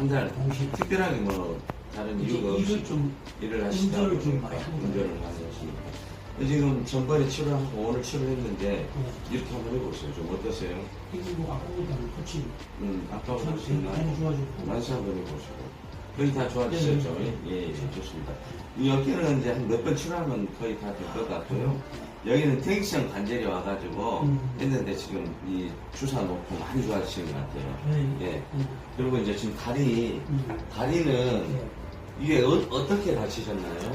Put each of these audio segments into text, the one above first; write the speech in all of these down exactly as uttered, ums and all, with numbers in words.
한 달 동시에. 특별하게 뭐 다른 이제 이유가 없이 일을 좀 일을 하시다 운전을 좀 보니까 많이 하는 운전을 많이 하시니까 지금 전번에 치료하고 오늘 치료했는데 네. 이렇게 한번 해보세요. 좀 어떠세요? 이거 뭐 아까보다는 훨씬 음, 아까 참 훨씬 많이 나고 좋아졌고. 만세 한번 해보시고 거의 다 좋아지셨죠? 네, 네. 예, 예, 좋습니다. 이 어깨는 이제 한 몇 번 치료하면 거의 다 될 것 같고요. 여기는 퇴행성 관절이 와가지고 음. 했는데 지금 이 주사 놓고 많이 좋아지시는 것 같아요. 네. 예. 음. 그리고 이제 지금 다리, 음. 다리는 네. 이게 어, 떻게 다치셨나요?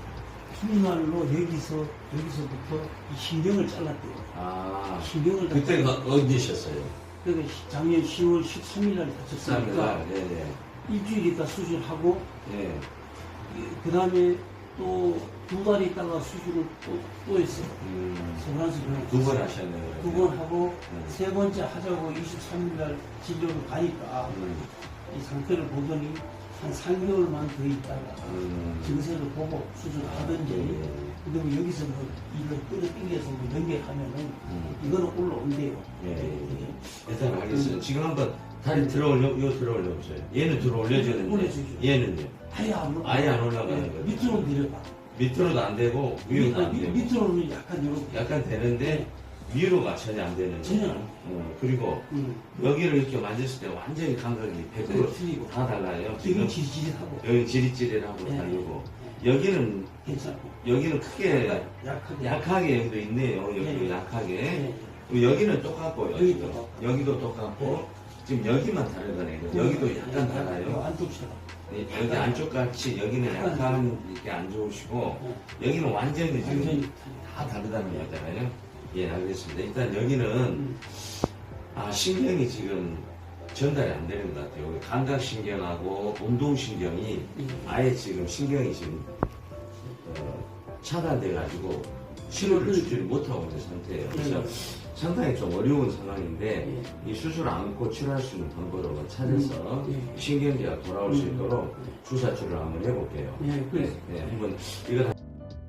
흰날로 여기서 여기서부터 이 신경을 잘랐대요. 아, 신경을 다 그때가 잘랐대요. 언제셨어요? 그러니까 작년 시월 십삼일 날 다쳤으니까 예, 예. 일주일 있다 수술하고 예. 그 다음에 또 두 달 있다가 수술을 또, 또 했어요. 음, 소란스 병원 두 번 하셨네요. 두 번 하고 음. 세 번째 하자고 이십삼일 날 진료를 가니까 음, 이 상태를 보더니 한 삼 개월만 더 있다가 음. 증세를 보고 수술하든지 예. 그다음에 여기서 뭐 이걸 끌어당겨서 뭐 연결하면은 음. 이거는 올라온대요. 예, 예. 예. 일단 알겠어요. 지금 한번 다리 들어올려, 이거 들어올려 보세요. 얘는 들어올려주는데, 올려주죠. 얘는요? 아예 안 올라. 아예 안 올라가는 예, 거죠. 밑으로 내려가. 밑으로도 안 되고, 위로도 안 되고. 밑으로는 약간 이렇게. 약간 되는데, 위로가 전혀 안 되는 전혀 거예요. 안 어, 그리고 음. 여기를 이렇게 만졌을 때 완전히 감각이 백 퍼센트 네, 틀리고. 다 달라요. 지금 지금 지지직하고 여기 지릿지릿하고 네. 다르고, 여기는, 괜찮고. 여기는 크게, 약하게. 약하게 여기도 있네요. 여기도 네. 약하게. 네. 그리고 여기는 똑같고요. 여기도 지금. 똑같고. 여기도 똑같고, 지금 여기만 다르거든요. 여기도 약간 달라요. 안쪽처럼. 네, 여기 안쪽 같이 여기는 약간 이렇게 안 좋으시고, 여기는 완전히 지금 완전히 다 다르다는 거잖아요. 예, 알겠습니다. 일단 여기는, 음. 아, 신경이 지금 전달이 안 되는 것 같아요. 감각신경하고 운동신경이 음. 아예 지금 신경이 지금, 어, 차단돼가지고 치료를 주지를 못하고 있는 상태예요. 그래서 상당히 좀 어려운 상황인데 이 수술 안고 치료할 수 있는 방법을 찾아서 음. 신경계가 돌아올 수 있도록 주사 치료를 한번 해볼게요. 예, 그래. 네, 한번 이거 다...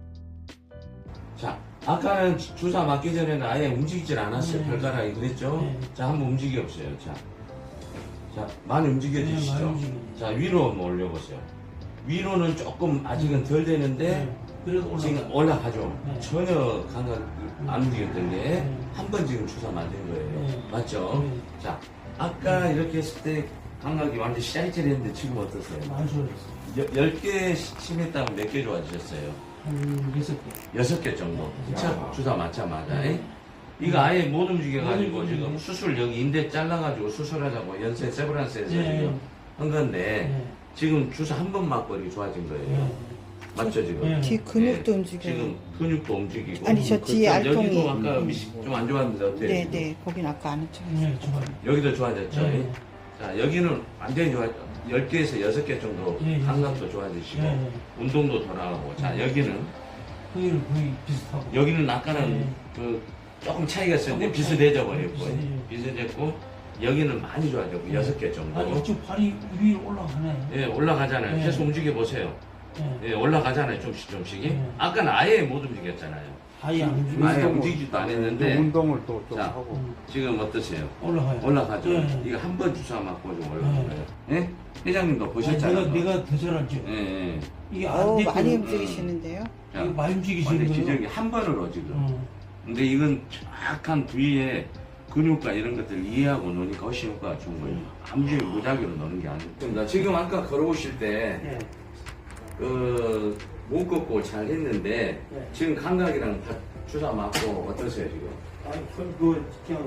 자, 아까는 주사 맞기 전에는 아예 움직이질 않았어요. 네. 발가락이 그랬죠? 네. 자, 한번 움직여 보세요. 자, 자 많이 움직여주시죠? 네, 많이 움직여요. 자, 위로 한번 올려보세요. 위로는 조금 아직은 덜 되는데 네. 그래도 올라가. 지금 올라가죠. 네. 전혀 감각 안 움직였던 게 네. 한 번 지금 주사 맞은 거예요. 네. 맞죠? 네. 자, 아까 이렇게 했을 때 감각이 완전 짜릿짜릿했는데 지금 어떠세요? 많이 좋아졌어요. 열 개 심했다면 몇 개 좋아지셨어요? 한 여섯 개. 여섯 개 정도. 자, 주사 맞자마자. 네. 이거 아예 못 움직여가지고 네. 지금 수술 여기 인대 잘라가지고 수술하자고 연세 세브란스에서 네. 지금 한 건데 네. 지금 주사 한 번 맞고 이렇게 좋아진 거예요. 네. 맞죠 지금? 네. 뒤 근육도 네. 움직여요. 지금 근육도 움직이고. 아니, 저 뒤에 그쪽 알통이. 여기도 아까 좀 안 좋았는데 어때요? 네, 지금? 네. 거긴 아까 안 했죠. 네, 좋아요. 여기도 좋아졌죠? 네. 자, 여기는 완전히 좋아, 열 개에서 여섯 개 정도 네, 네. 감각도 좋아지시고, 네, 네. 운동도 돌아가고. 자, 여기는, 거기는 거의 비슷하고. 여기는 아까는 네. 그 조금 차이가 있었는데 조금 비슷해져 차이. 버렸고, 비슷해요. 비슷했고, 여기는 많이 좋아졌고, 여섯 개 정도. 아, 이쪽 발이 위로 올라가네. 예, 올라가잖아요. 네. 계속 움직여 보세요. 네. 예, 올라가잖아요. 좀씩 좀씩이. 네. 아까는 아예 못 움직였잖아요. 아예 안 움직여. 아예 움직이지도 안 했는데, 운동을 또 좀 자. 하고 음, 지금 어떠세요? 올라가요. 올라가죠? 네. 이거 한 번 주사 맞고 좀 올라간 거예요. 예? 회장님도 아니, 보셨잖아요. 내가, 내가 더 잘하죠. 예, 예. 이게 어우, 안 많이 됐거든. 움직이시는데요. 자, 이거 많이 움직이시는 완전 거예요. 기저귀 한 번으로 지금. 어. 근데 이건 정확한 부위에 근육과 이런 것들을 이해하고 노니까 훨씬 효과가 좋은 거예요. 아무리 무작위로 노는 게 아니고. 지금 아까 걸어오실 때, 네. 그, 못 걷고 잘 했는데, 네. 지금 감각이랑 다 주사 맞고 어떠세요, 지금? 아니, 그, 그, 그냥,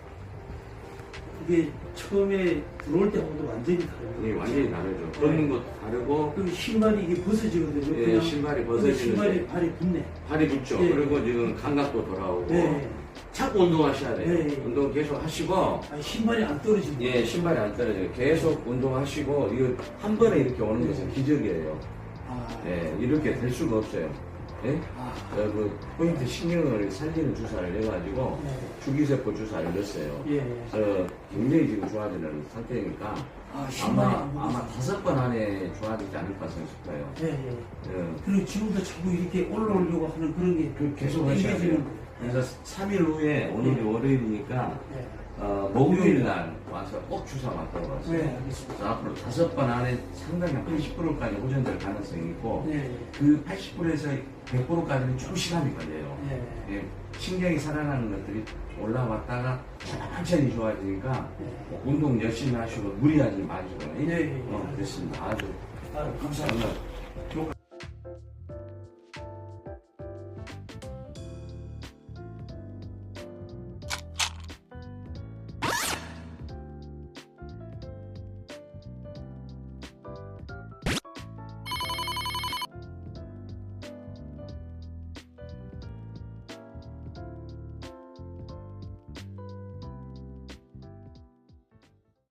이게 처음에 들어올 때하고도 완전히 다르요 이 완전히 다르죠. 걷는 것도 다르고, 그리고 신발이 이게 벗어지거든요. 예, 그냥. 신발이 근데 벗어지는데. 신발이 발이 붙네. 발이 붙죠. 예. 그리고 지금 감각도 돌아오고, 네. 자꾸 운동하셔야 돼요. 예. 운동 계속 하시고, 아니, 신발이 안 떨어지는 예, 신발이 안 떨어져요. 계속 운동하시고, 이거 한 번에 이렇게 오는 것은 기적이에요. 아, 예, 이렇게 될 수가 없어요. 예? 아, 어, 그 포인트 신경을 살리는 주사를 내가지고 네. 주기세포 주사를 넣었어요. 예. 그래서 굉장히 지금 좋아지는 상태니까 아, 신발이 아마 안 아마 붙어서. 다섯 번 안에 좋아지지 않을까 싶어요. 예, 예. 예, 그리고 지금도 자꾸 이렇게 올라오려고 하는 그런 게 그 계속 하셔야 돼요. 땡겨지는 거예요. 그래서 삼 일 후에 오늘이 월요일이니까 예. 어, 목요일 날 와서 꼭 주사 맞다고 왔어요. 네, 알겠습니다. 그래서 앞으로 다섯 번 안에 상당히 한 팔십 퍼센트까지 호전될 가능성이 있고 네, 그 팔십 퍼센트에서 백 퍼센트까지는 좀 시간이 걸려요. 네. 예, 신경이 살아나는 것들이 올라왔다가 천천히 좋아지니까 네. 뭐 운동 열심히 하시고 무리하지 마시고. 네, 네. 어, 됐습니다. 아주 아, 감사합니다. 오늘